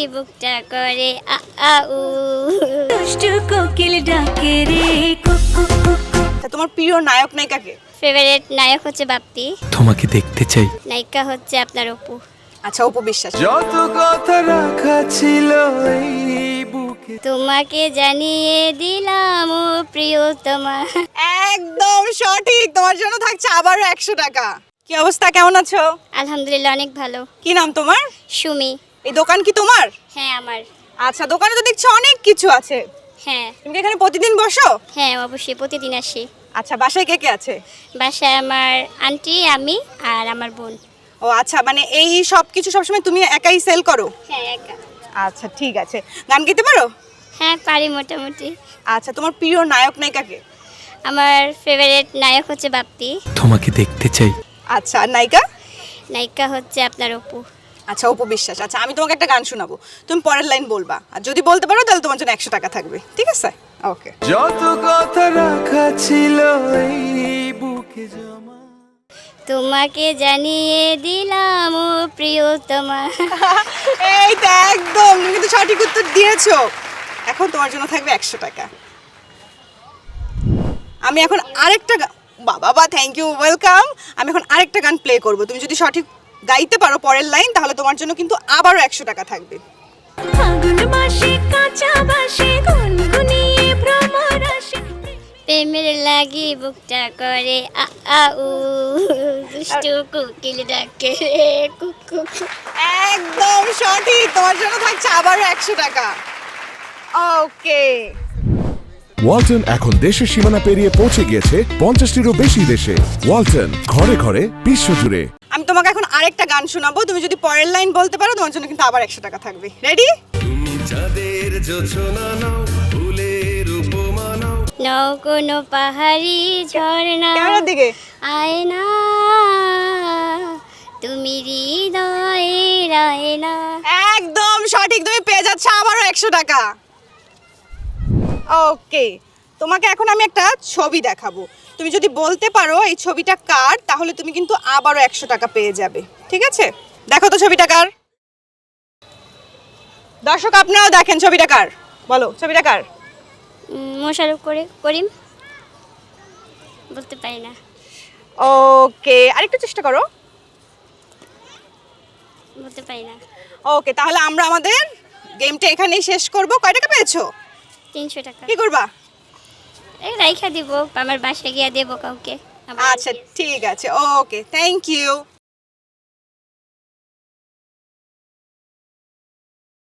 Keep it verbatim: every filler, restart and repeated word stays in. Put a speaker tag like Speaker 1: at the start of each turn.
Speaker 1: বুকটা করে আ আ উ
Speaker 2: দুষ্টু কোকিল ডাকে রে কুকু কুকু।
Speaker 3: তা তোমার প্রিয় নায়ক নায়িকাকে?
Speaker 1: ফেভারিট নায়ক হচ্ছে বাপ্পি,
Speaker 4: তোমাকে দেখতে চাই।
Speaker 1: নায়িকা হচ্ছে আপনার অপু।
Speaker 3: আচ্ছা, অপু বিশ্বাস।
Speaker 4: যত কথা রাখা ছিল এই বুকে।
Speaker 1: তোমাকে জানিয়ে দিলাম ও প্রিয়তমা।
Speaker 3: একদম সঠিক, তোমার জন্য থাকছে আবারও একশো টাকা। কি অবস্থা, কেমন আছো?
Speaker 1: আলহামদুলিল্লাহ অনেক ভালো।
Speaker 3: কি নাম তোমার?
Speaker 1: সুমি।
Speaker 3: এই দোকান কি তোমার?
Speaker 1: হ্যাঁ আমার।
Speaker 3: আচ্ছা, দোকানে তো দেখছি অনেক কিছু আছে।
Speaker 1: হ্যাঁ
Speaker 3: তুমি কি এখানে প্রতিদিন বসো?
Speaker 1: হ্যাঁ অবশ্যই প্রতিদিন আসি।
Speaker 3: আচ্ছা, বাসায় কে কে আছে?
Speaker 1: বাসায় আমার আন্টি, আমি আর আমার বোন।
Speaker 3: ও আচ্ছা, মানে এই সব কিছু সবসময় তুমি একাই সেল করো?
Speaker 1: হ্যাঁ একা।
Speaker 3: আচ্ছা ঠিক আছে, গান গাইতে পারো?
Speaker 1: হ্যাঁ পারি মোটামুটি।
Speaker 3: আচ্ছা, তোমার প্রিয় নায়ক নায়িকাকে?
Speaker 1: আমার ফেভারিট নায়ক হচ্ছে বাপ্পি,
Speaker 4: তোমাকে দেখতে চাই।
Speaker 3: আচ্ছা, আর নায়িকা?
Speaker 1: নায়িকা হচ্ছে আপনার অপু।
Speaker 3: আচ্ছা, অপু বিশ্বাস। আচ্ছা, আমি তোমাকে একটা গান শোনাবো, তুমি পরের লাইন বলবা, আর যদি বলতে পারো তাহলে তোমার জন্য একশো টাকা থাকবে, ঠিক আছে? ওকে।
Speaker 4: যত কথা রাখা ছিল এই বুকে জমা।
Speaker 1: তোমাকে জানিয়ে দিলাম ও প্রিয়তমা।
Speaker 3: এই তো একদম, তুমি কিন্তু সঠিক উত্তর দিয়েছো। এখন তোমার জন্য থাকবে একশো টাকা। আমি এখন আরেকটা গা- বাবা বা থ্যাংক ইউ, ওয়েলকাম। আমি এখন আরেকটা গান প্লে করব, তুমি যদি সঠিক গাইতে পারো পরের লাইন তাহলে তোমার জন্য কিন্তু আবারও একশো টাকা থাকবে।
Speaker 2: ফাগুন মাসে কাঁচা বাসে গুনগুনিয়ে ভ্রমর আসে।
Speaker 1: প্রেমের লাগি বুকটা করে আ আ উ দুষ্টু কোকিল ডাকে রে কুকু।
Speaker 3: একদম সঠিক, তোমার জন্য থাকছে আবারও একশো টাকা। ওকে।
Speaker 5: ওয়ালটন এখন দেশের সীমানা পেরিয়ে পৌঁছে গিয়েছে পঞ্চাশটিরও বেশি দেশে। ওয়ালটন, ঘরে ঘরে বিশ্বজুড়ে।
Speaker 3: আমি তোমাকে এখন আরেকটা গান শোনাবো, তুমি যদি পরের লাইন বলতে পারো তোমার জন্য কিন্তু আবার একশো টাকা থাকবে। রেডি?
Speaker 1: নও কোনো পাহাড়ি ঝর্ণা
Speaker 3: ক্যামেরার দিকে।
Speaker 1: আয় না তুমি হৃদয়ে রায় না।
Speaker 3: একদম সঠিক, তুমি পেয়ে যাচ্ছ আবারও একশো টাকা। ওকে, তোমাকে এখন আমি একটা ছবি দেখাবো, তুমি যদি বলতে পারো এই ছবিটা কার তাহলে তুমি কিন্তু আবারও একশো টাকা পেয়ে যাবে, ঠিক আছে? দেখো তো ছবিটা কার। দর্শক আপনারাও দেখেন ছবিটা কার, বলো ছবিটা কার?
Speaker 1: উম, মোশাররফ করে করিম। বলতে পারি না।
Speaker 3: ওকে, আরেকটু চেষ্টা করো।
Speaker 1: বলতে পারি না।
Speaker 3: ওকে, তাহলে আমরা আমাদের গেমটা এখানেই শেষ করব। কয় টাকা পেয়েছো?
Speaker 1: তিনশো টাকা।
Speaker 3: কি করবা?
Speaker 1: এই রাইখা দিব, আমার বাসায় গিয়ে দেবো কাউকে। আবার
Speaker 3: আচ্ছা ঠিক আছে, ওকে, থ্যাংক ইউ।